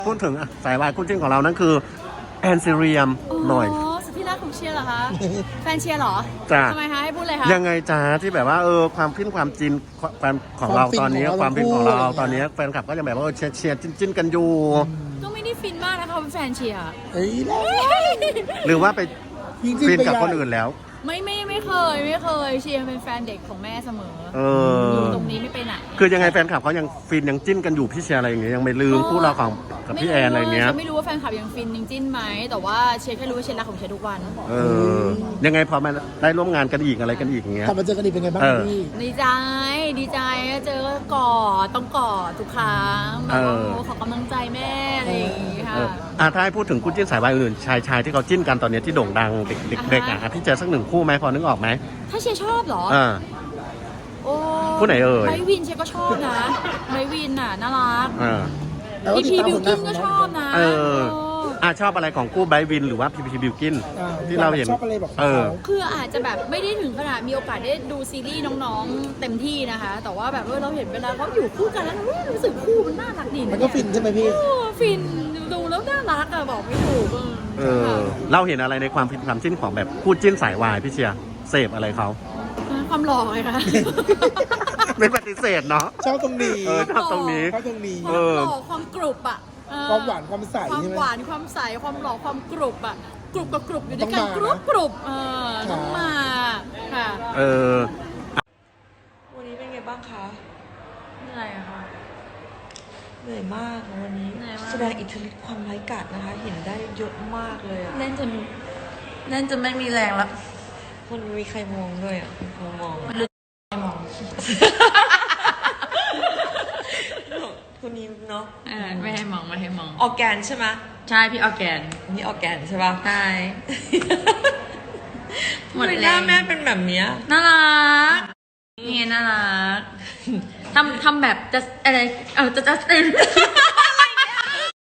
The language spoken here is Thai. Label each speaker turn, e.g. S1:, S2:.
S1: พูดถึงสายวายคู่จิ้นของเรานั่นคือแอนซิเรียมหน่อย
S2: สุดที่รักของเชียร์เหรอคะ แฟนเชียร์เหรอ
S1: จ้ะ
S2: ทำไมคะให้พูดเลยคะ
S1: ยังไงจ้าที่แบบว่าความฟินความจินความของเราตอนนี้ความฟินของเราตอนนี้แฟนคลับก็ยังแบบว่าเชียร์จิ้นกันอยู่
S2: ก็ไม่ได้ฟินมากนะคะเป็นแฟนเชียร์
S3: เฮ้ยแล้ว
S1: หรือว่าไป
S3: ยิ่งจิ้น
S1: ฟิน
S3: ไป
S1: กับ
S3: ใหญ่
S1: คนอื่นแล้ว
S2: ไม่เคยเชียร์เป็นแฟนเด็กของแม่เสมอ อยู่ตรงนี้ไม่ไปไหน
S1: คือยังไงแฟนคลับเขายังฟินยังจิ้นกันอยู่พี่เชียร์อะไรอย่างเงี้ยยังไม่ลืมคู่เราของกับพี่แอนอะไรเงี้ย
S2: ฉันไม่รู้ว่าแฟนคลับยังฟินยังจิ้นไหมแต่ว่าเชียร์แค่รู้ว่าเชียร์รักของเชียร์ทุกวัน
S1: ยังไงพอมาได้ร่วมงานกันอีกอะไรกันอีกอย่างเงี้ย
S3: กลับมาเจอกันอีกเป็นไงบ้างพี่
S2: ดีใจเจอก็กอดต้องกอดทุกครั้งแบบว่าขอกำลังใจแม่อะไรอย่างงี้ค่ะ
S1: ถ้าให้พูดถึงคู่จิ้นสายวายอื่นชายที่เขาจิ้นกันตอนนี้ที่โด่งดังเด็กๆพี่เจอสักหนึ่งคู่ไหมพอนึกออกไหม
S2: ถ้าเชียร์ชอบเหรอโอ้
S1: คู่ไหนเอ่ย
S2: ไมวินเชียร์ก็ชอบนะไมวินน่ะน่ารัก
S3: แล้วก็
S2: พี
S3: ติด
S2: พี
S3: ตาม
S2: บิ
S3: ผ
S2: ว
S3: ลงาน
S2: กิน
S3: ของ
S2: ก็
S3: น้
S2: ช
S3: อ
S2: อง บนะ
S1: ชอบอะไรของคู่ไบรท์วินหรือว่าพีบิวกินที่เราเห็น
S3: ชอบอะไรบอกเขา
S2: คืออาจจะแบบไม่ได้ถึงขนาดมีโอกาสได้ดูซีรีส์น้องๆเต็มที่นะคะ แต่ว่าแบบเราเห็นเวลาเขาอยู่คู่กันแล้วรู้สึกคู่มันน่ารักดีะ
S3: มันก็ฟินใช่ไหมพี่
S2: ฟินดูแล้วน่ารักอะบอกไม่ถูกค่ะ
S1: เราเห็นอะไรในความจิ้นของแบบคู่จิ้นสายวายพี่เชียร์เสพอะไรเขา
S2: ความหล่อไงคะ
S1: ไม่ปฏิเสธเนาะ
S3: ชอบตรงนี้
S1: ชอบตรงนี้
S3: ชอบตรงนี้
S2: ความหล่อความกรุบอะ
S3: ความหวานความใส
S2: ความ
S3: ใช่ไหม
S2: หวานความใสความหล่อความกรุบอะกรุบกับกรุบอยู่ด้วยกัน
S3: ต้องมานะ
S2: กรุบต้องมาค่ะ
S4: วันนี้เป็นไงบ้างคะ
S2: เหนื่อยอะค่ะ
S4: เหนื่อยมากนะวันนี้
S2: เหนื่อยมาก
S4: แสดงอิทธิฤทธิ์ความร้ายกาจนะคะ เห็นได้เยอะมากเลยอะ
S2: เล่นจนไม่มีแรงแล้ว
S4: คนมีใครมองด้วยอะมีคนมอง
S2: มอง
S4: คนนี้เนาะ
S2: ไม่ให้มองไม่ให้มอง
S4: ออร์แกนใช่ไหม
S2: ใช่พี่ออร์แกน
S4: นี่ออร์แกนใช่ป่ะ
S2: ใช่ หมด
S4: ทำไม
S2: แรง
S4: หน้าแม่เป็นแบบเนี้ย
S2: น่ารักนี่น่ารักทำแบบจะอะไรจะ